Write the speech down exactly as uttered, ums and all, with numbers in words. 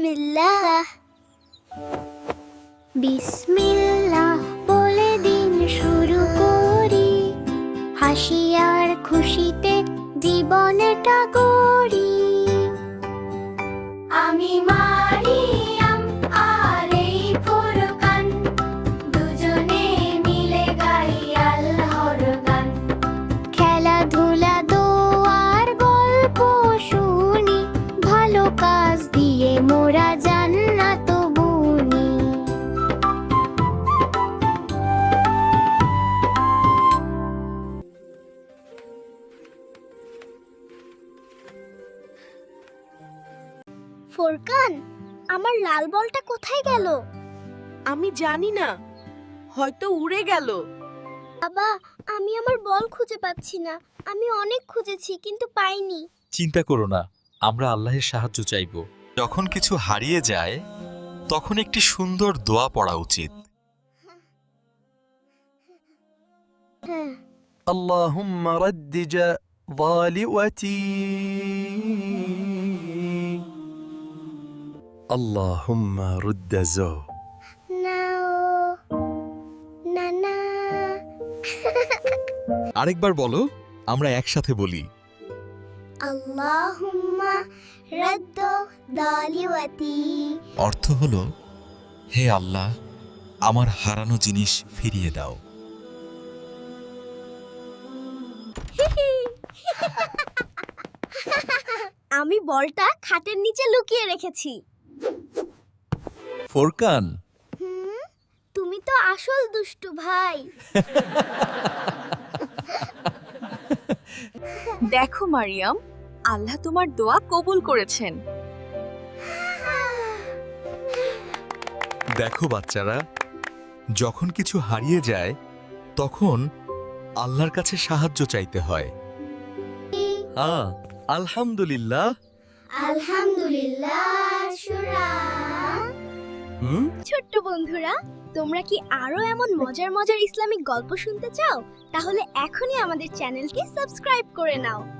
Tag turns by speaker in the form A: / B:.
A: বিসমিল্লাহ বিসমিল্লাহ বলে দিন শুরু করি, হাসি আর খুশিতে জীবনটা গড়ি। আমি মারিয়াম আর এই ফুরকান, দুজনে মিলে গাই আল্লাহর গান। খেলাধুলা দোয়ার গল্প শুনি, ভালো কাজ দিয়ে মোরা জান্নাত বুনি। ফোরকান, আমার লাল বলটা কোথায় গেল?
B: আমি জানি না, হয়তো উড়ে গেল।
A: বাবা, আমি আমার বল খুঁজে পাচ্ছি না। আমি অনেক খুঁজেছি কিন্তু পাইনি।
C: চিন্তা করো না, আমরা আল্লাহর সাহায্য চাইব। যখন কিছু হারিয়ে যায় তখন একটি সুন্দর দোয়া পড়া উচিত।
A: হ্যাঁ,
D: اللهم ردج ضالوتي اللهم رد زو
A: না ও, না না।
C: আরেকবার বলো, আমরা একসাথে বলি।
A: আল্লাহুম্মা রাদ্দ দালিওয়াতি।
C: অর্থ হলো, হে আল্লাহ, আমার হারানো জিনিস ফিরিয়ে দাও।
A: আমি বলটা খাটের নিচে লুকিয়ে রেখেছি।
C: ফোরকান,
A: হুম, তুমি তো আসল দুষ্টু ভাই।
B: দেখো মারিয়াম, আল্লাহ তোমার দোয়া কবুল করেছেন।
C: দেখো বাচ্চারা, যখন কিছু হারিয়ে যায় তখন আল্লাহর কাছে সাহায্য চাইতে হয়। হ্যাঁ, আলহামদুলিল্লাহ।
A: আলহামদুলিল্লাহ শুরা।
C: হুম
A: ছোট্ট বন্ধুরা, তোমরা কি আরো এমন মজার মজার ইসলামিক গল্প শুনতে চাও? তাহলে এখনই আমাদের চ্যানেলকে সাবস্ক্রাইব করে নাও।